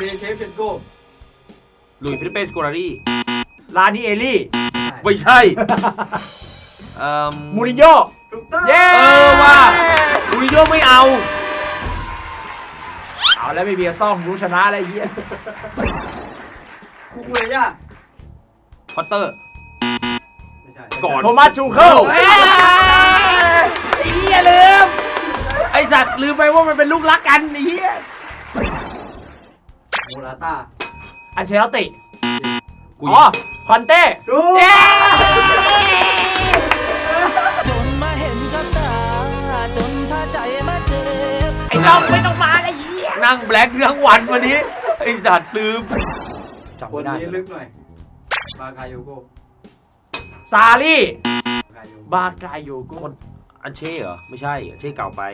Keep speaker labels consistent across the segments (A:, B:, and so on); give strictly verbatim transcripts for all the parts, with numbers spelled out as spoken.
A: เดเชฟเชนโก้
B: ลุยฟิลิปเปสโกรารี
C: ลานิเอลี่
B: ไม่ใช่เอ่อ
C: มูรินโญ่
A: ถูกต้อง
C: เย้
B: เออว่ามูรินโญ่ไม่เอา
C: เอาแล้วไม่เบียร์ต้องรู้ชนะอะไรเงี้ย
A: คูคูเรย่า
B: พอตเตอร์
A: ไม่ใช่
B: ก่อน
C: โทมัสชูเคิล
B: เอ้ยไอ้เหี้ยลืมไอ้สัตว์ลืมไปว่ามันเป็นลูกรักกันไอ้เหี้ย
A: โมราต้า
C: อันเชลติ
B: กู
C: อ๋อคอนเต้
A: ถูก
C: เย้
D: จนมาเห็นกับตาจนพาใจมาเจ็บ
C: ไอ้น้องไม่ต้องมาเลยเหี้ย
B: นั่งแบล็คทั้งวันวันนี้ไอ้สัตว์ลืมจำ
A: ค
B: ไม่
A: น
B: ได้
A: นี้ลึกหน่อยบาคาโยโก
C: ซารี่
A: บาคาโยโก
C: บากายโยโก
B: อันเช่เหรอไม่ใช่อันเช่เก่าไป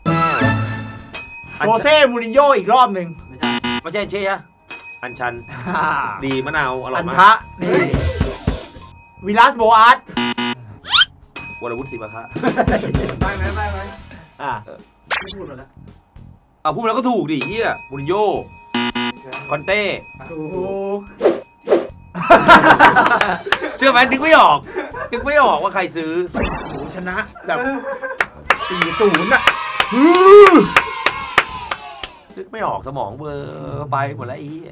C: โจเซ่มูรินโญ่อีกรอบหนึ่ง
A: ไม่ใช่
B: ไม่ใช่อันเช่อะอันชันดีมะนาวอร่อ
C: อั
B: ย
C: น
B: มาก
C: ทะนี่วิลัสโบอาร์ต
B: วรวุฒิศิวะคะ
A: ได้ไหมได้ไหม
C: อ่ะ
A: ไม่พูดหมดแล้ว
B: เอาพูดแล้วก็ถูกดิเฮียมูรินโญ่คอนเต้
A: ถูก
B: เชื่อไหมนึกไม่ออกนึกไม่ออกว่าใครซื้อ
C: โหชนะแบบสี่ศูนย์อ่ะ
B: นึกไม่ออกสมองเบลอร์ไปหมดแล้วไอ้เหี้ย